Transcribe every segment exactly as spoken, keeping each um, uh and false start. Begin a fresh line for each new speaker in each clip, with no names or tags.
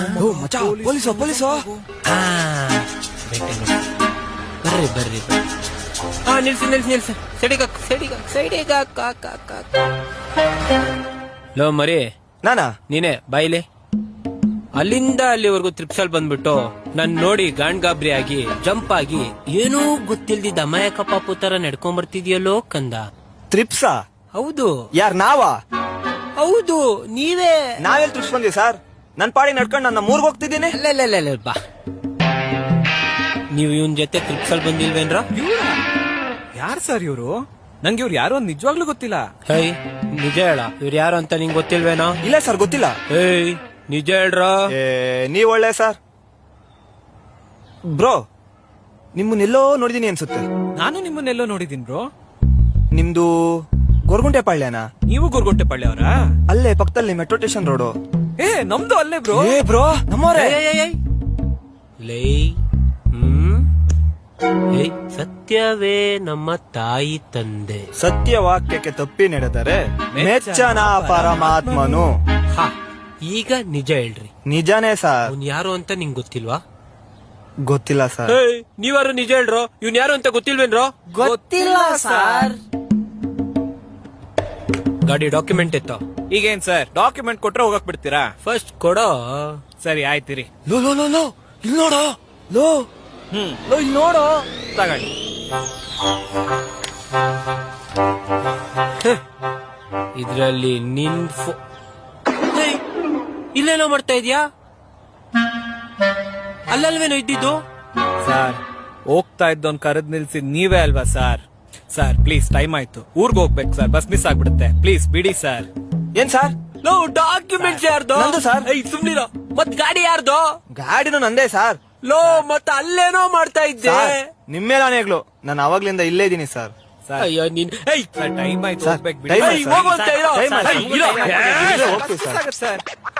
ಮಚ್ಚ police police
ಬರ್ರಿ ಬರ್ರಿ ಹಾ ನಿಲ್ಸಿ ನಿಲ್ಸಿ ನಿಲ್ಸಿ ಸೈಡಿಗ ಸೈಡಿಗ ಸೈಡಿಗ ಲೋ ಮರಿ
ನಾನಾ
ನೀನೆ ಬಾಯಿಲೆ ಅಲ್ಲಿಂದ ಅಲ್ಲಿವರೆಗೂ ತ್ರಿಪ್ಸಲ್ ಬಂದ್ಬಿಟ್ಟು ನನ್ ನೋಡಿ ಗಾಂಡ್ ಗಾಬ್ರಿ ಆಗಿ ಜಂಪ್ ಆಗಿ ಏನೂ ಗೊತ್ತಿಲ್ದಿದ್ದ ಅಮಾಯಕ ಪಾಪು ತರ ನಡ್ಕೊಂಡ್ ಬರ್ತಿದ್ಯಲ್ಲೋ ಕಂದ.
ತ್ರಿಪ್ಸಾ?
ಹೌದು.
ಯಾರ್ ನಾವಾ?
ಹೌದು ನೀವೇ.
ನಾವೆಲ್ ತ್ರಿಪ್ಸ್ ಬಂದ್ವಿ ಸರ್? ನನ್ ಪಾಡಿ ನಡ್ಕೊಂಡು ನನ್ನ ಮೂರ್ಗ್ ಹೋಗ್ತಿದ್ದೀನಿ.
ಅಲ್ಲ ಬಾ ನೀವು ಇವನ್ ಜೊತೆ ತ್ರಿಪ್ಸಲ್ ಬಂದಿಲ್ವೇನ್ರ?
ಯಾರ್ ಸರ್ ಇವ್ರು? ನಂಗೆ ಇವ್ರು ಯಾರು ಅಂತ ನಿಜವಾಗ್ಲೂ ಗೊತ್ತಿಲ್ಲ.
ಹೇಯ್ ನಿಜ ಹೇಳ, ಇವ್ರು ಯಾರು ಅಂತ ನಿಂಗ್ ಗೊತ್ತಿಲ್ವೇನೋ?
ಇಲ್ಲ ಸರ್ ಗೊತ್ತಿಲ್ಲ.
ಏಯ್ ನಿಜ ಹೇಳ್ರ.
ನೀವ್ ಒಳ್ಳೆ ಸರ್. ಬ್ರೋ ನಿಮ್ಮನ್ನೆಲ್ಲೋ ನೋಡಿದೀನಿ ಅನ್ಸುತ್ತೆ.
ನಾನು ನಿಮ್ಮನ್ನೆಲ್ಲೋ ನೋಡಿದೀನಿ ಬ್ರೋ.
ನಿಮ್ದು ಗೊರ್ಗುಂಟೆ ಪಾಳ್ಯನಾ?
ನೀವು ಗೊರ್ಗುಂಟೆ ಪಾಳ್ಯ ಅವರಾ?
ಅಲ್ಲೇ ಪಕ್ಕದಲ್ಲಿ ಮೆಟ್ರೋ ಸ್ಟೇಷನ್ ರೋಡು.
ಏ ನಮ್ದು ಅಲ್ಲೇ ಬ್ರೋ.
ಏ ಬ್ರೋ ನಮ್ಮೋರೇ.
ಲೈ ಹ್ಮ್ ಏಯ್ ಸತ್ಯವೇ ನಮ್ಮ ತಾಯಿ ತಂದೆ.
ಸತ್ಯ ವಾಕ್ಯಕ್ಕೆ ತಪ್ಪಿ ನಡೆದರೆ ಮೆಚ್ಚನ ಪರಮಾತ್ಮನು.
ಹಾ ಈಗ ನಿಜ ಹೇಳ್ರಿ.
ನಿಜಾನೇ ಸರ್.
ಅವ್ನ್ ಯಾರು ಅಂತ ನಿಂಗ್ ಗೊತ್ತಿಲ್ವಾ?
ಗೊತ್ತಿಲ್ಲ ಸರ್.
ನೀವಾರು ನಿಜ ಹೇಳ್ರೋ. ಇವ್ನ್ ಯಾರು ಅಂತ ಗೊತ್ತಿಲ್ವೇನ್ರೋ?
ಗೊತ್ತಿಲ್ಲ ಸರ್.
ಗಾಡಿ ಡಾಕ್ಯುಮೆಂಟ್ ಇತ್ತು.
ಈಗೇನ್ ಸರ್ ಡಾಕ್ಯುಮೆಂಟ್ ಕೊಟ್ರೆ ಹೋಗಕ್ ಬಿಡ್ತೀರಾ?
ಫಸ್ಟ್ ಕೊಡೋ.
ಸರಿ ಆಯ್ತಿರಿ.
ಲೋ ಲೋ ಲೋ ಲೋ ಇಲ್ಲಿ ನೋಡೋ. ಲೋ
ಹ್ಮ್
ಲೋ ಇಲ್ಲಿ ನೋಡೋ.
ತಗೊಳ್ಳಿ.
ಇದ್ರಲ್ಲಿ ನಿನ್ ಇಲ್ಲೇನೋ ಮಾಡ್ತಾ ಇದ್ಯಾ? ಅಲ್ಲಲ್ವೇನೋ ಇದ್ದಿದ್ದು?
ಸರ್ ಹೋಗ್ತಾ ಇದ್ದೋನ್ ಕರೆದ್ ನಿಲ್ಸಿದ್ ನೀವೇ ಅಲ್ವಾ ಸರ್? ಸರ್ ಪ್ಲೀಸ್ ಟೈಮ್ ಆಯ್ತು, ಊರ್ಗ್ ಹೋಗ್ಬೇಕು ಸರ್, ಬಸ್ ಮಿಸ್ ಆಗ್ಬಿಡುತ್ತೆ, ಪ್ಲೀಸ್ ಬಿಡಿ ಸರ್.
ಏನ್ ಸರ್?
ಲೋ ಡಾಕ್ಯುಮೆಂಟ್ಸ್ ಯಾರ್ದು?
ನಂದು ಸರ್.
ಸುಮ್ನಿರೋ. ಮತ್ ಗಾಡಿ ಯಾರ್ದು?
ಗಾಡಿನೂ ನಂದೇ ಸರ್.
ಲೋ ಮತ್ ಅಲ್ಲೇನೋ ಮಾಡ್ತಾ ಇದ್ದೆ.
ನಿಮ್ಮೇಲೆ ಆನೆಗಳು. ನಾನು ಅವಾಗ್ಲಿಂದ ಇಲ್ಲೇ ಇದೀನಿ ಸರ್.
ಅಯ್ಯೋ ನೀನ್
ಟೈಮ್ ಆಯ್ತು ಹೋಗ್ಬೇಕು ಬಿಡಿ.
ಟೈಮ್ ಆಯ್ತು
ಸರ್.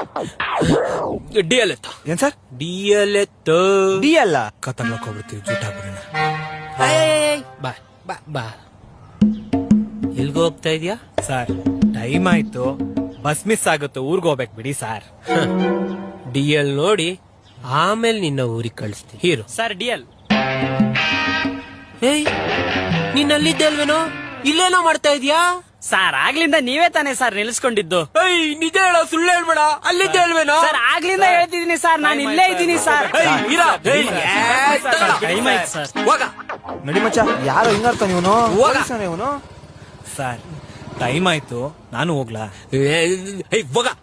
ಡಿ ಎಲ್ ಎತ್ತ.
ಏನ್ ಸರ್?
ಡಿ ಎಲ್ ಎತ್ತ.
ಡಿ ಅಲ್ಲ
ಕತ್ತರ್ಲಕ್ ಹೋಗ್ಬಿಡ್ತೀವಿ, ಜೂಟ ಬಿಡೋಣ.
ಬಾ ಬಾ ಬಾ. ಎಲ್ಗ ಹೋಗ್ತಾ ಇದ್ಯಾ?
ಸರ್ ಟೈಮ್ ಆಯ್ತು, ಬಸ್ ಮಿಸ್ ಆಗುತ್ತೆ, ಊರ್ಗ್ ಹೋಗ್ಬೇಕು ಬಿಡಿ ಸರ್.
ಡಿ ಎಲ್ ನೋಡಿ ಆಮೇಲೆ ನಿನ್ನ ಊರಿಗೆ ಕಳಿಸ್ತೀನಿ. Hero
sir D L.
ಏಯ್ ನೀನ್ ಅಲ್ಲಿದ್ದೆ ಅಲ್ವೇನೋ? ಇಲ್ಲೇನೋ ಮಾಡ್ತಾ ಇದ್ಯಾ?
ಸರ್ ಆಗ್ಲಿಂದ ನೀವೇ ತಾನೇ ಸರ್ ನಿಲ್ಸ್ಕೊಂಡಿದ್ದು?
ಏಯ್ ನಿಜ ಹೇಳ, ಸುಳ್ಳು ಹೇಳ್ಬೇಡ. ಅಲ್ಲಿದ್ದೆ ಅಲ್ವೇನೋ?
ಸರ್ ಆಗ್ಲಿಂದ ಹೇಳ್ತಿದೀನಿ ಸರ್, ನಾನು ಇಲ್ಲೇ ಇದ್ದೀನಿ ಸರ್. ಟೈಮ್ ಆಯ್ತು ಸರ್.
ಹೋಗ
ನಡಿ ಮಚ್ಚ. ಯಾರೋ ಹಿಂಗಾರ್ತಾನ ಇವನು. ಇವನು
ಸರ್ ಟೈಮ್ ಆಯ್ತು, ನಾನು ಹೋಗ್ಲಾ?
ಹೋಗ